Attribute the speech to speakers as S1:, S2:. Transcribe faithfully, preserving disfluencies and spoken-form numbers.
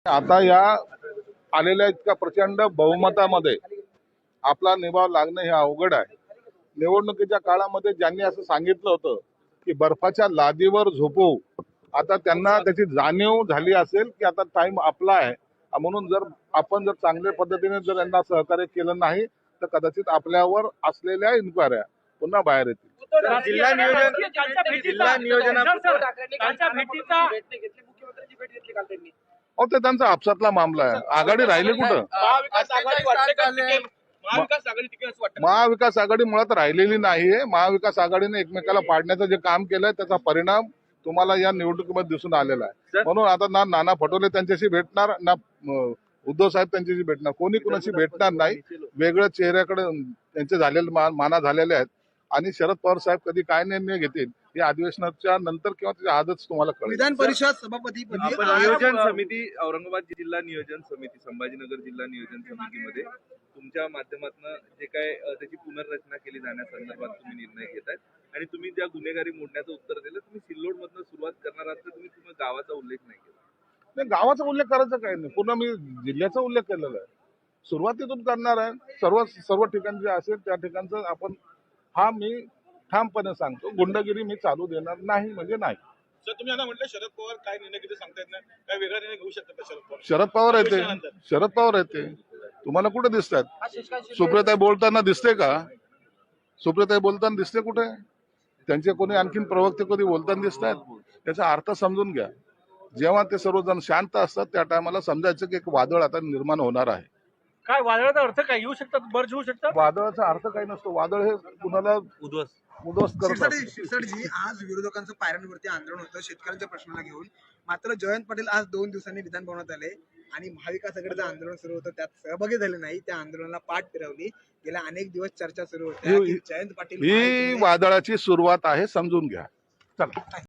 S1: आता या आलेल्या इतक्या प्रचंड बहुमतामध्ये आपला निभाव लागणं हे अवघड आहे। निवडणुकीच्या काळामध्ये ज्यांनी असं सांगितलं होतं की बर्फाच्या लादीवर झोपू, आता त्यांना त्याची जाणीव झाली असेल की आता टाइम आपला आहे, म्हणून जर आपण जर चांगल्या पद्धतीने जर यांना सहकार्य केलं नाही तर कदाचित आपल्यावर असलेल्या इन्क्वायऱ्या पुन्हा बाहेर येतील।
S2: जिल्हा नियोजन जिल्हा नियोजनाच्या भेटीचा
S1: अहो ते त्यांचा आपसातला मामला आहे। आघाडी राहिली कुठं?
S2: महाविकास आघाडी वाटते का टिकेल? महाविकास आघाडी टिकेल असं वाटतं?
S1: महाविकास आघाडी मुळात राहिलेली नाहीये। महाविकास आघाडीने एकमेकाला पाडण्याचं जे काम केलंय त्याचा परिणाम तुम्हाला या निवडणुकीमध्ये दिसून आलेला आहे। म्हणून आता ना नाना पटोले त्यांच्याशी भेटणार, ना उद्धव साहेब त्यांच्याशी भेटणार, कोणी कुणाशी भेटणार नाही। वेगळ्या चेहऱ्याकडे त्यांचे झालेले माना झालेले आहेत आणि शरद पवार साहेब कधी काय निर्णय घेतील हे अधिवेशनाच्या नंतर किंवा त्याच्या आजच तुम्हाला कळेल।
S3: विधान परिषद सभापती
S4: नियोजन समिती, औरंगाबाद जिल्हा नियोजन समिती, संभाजीनगर जिल्हा नियोजन समितीमध्ये तुमच्या माध्यमातून जे काय त्याची पुनर्रचना केली जाण्यासंदर्भात तुम्ही निर्णय घेताय आणि तुम्ही ज्या गुन्हेगारी मोडण्याचं उत्तर दिलं, तुम्ही सिल्लोड मधनं सुरुवात करणार आहात तर तुम्ही तुम्ही गावाचा उल्लेख नाही केला।
S1: नाही, गावाचा उल्लेख करायचा काही नाही, पूर्ण मी जिल्ह्याचा उल्लेख केलेला आहे। सुरुवातीतून करणार आहे, सर्व सर्व ठिकाणी जे असेल त्या ठिकाणचं आपण, हा मी ठामपणे सांगतो, गुंडगिरी मी चालू देणार नाही म्हणजे नाही।
S5: सर तुम्ही आता म्हटलं शरद पवार काय निर्णय घेते सांगता येत नाही, काय वेगळा निर्णय घेऊ शकतात का शरद पवार?
S1: शरद पवार येते, शरद पवार येते, तुम्हाला कुठे दिसतात? सुप्रियाताई बोलताना दिसते का? सुप्रियाताई बोलताना दिसते कुठे? त्यांचे कोणी आणखीन प्रवक्ते कधी बोलताना दिसतात? त्याचा अर्थ समजून घ्या। जेव्हा ते सर्वजण शांत असतात त्या टायमाला समजायचं की एक वादळ आता निर्माण होणार आहे।
S2: काय वादळाचा अर्थ काय येऊ शकतात? बर्ज होऊ शकतात?
S1: वादळाचा अर्थ काही नसतो, वादळ हे कुणाला
S4: उद्ध्वस्त
S1: उद्ध्वस्त करतात।
S3: शिरसाटजी, आज विरोधकांचं पायऱ्यांवरती आंदोलन होतं शेतकऱ्यांच्या प्रश्नाला घेऊन, मात्र जयंत पाटील आज दोन दिवसांनी विधान भवनात आले आणि महाविकास आघाडीचं आंदोलन सुरू होतं त्यात सहभागी झाले नाही, त्या आंदोलनाला पाठ फिरवली। गेल्या अनेक दिवस चर्चा सुरू होत्या की जयंत पाटील
S1: ही वादळाची सुरुवात आहे, समजून घ्या। चला।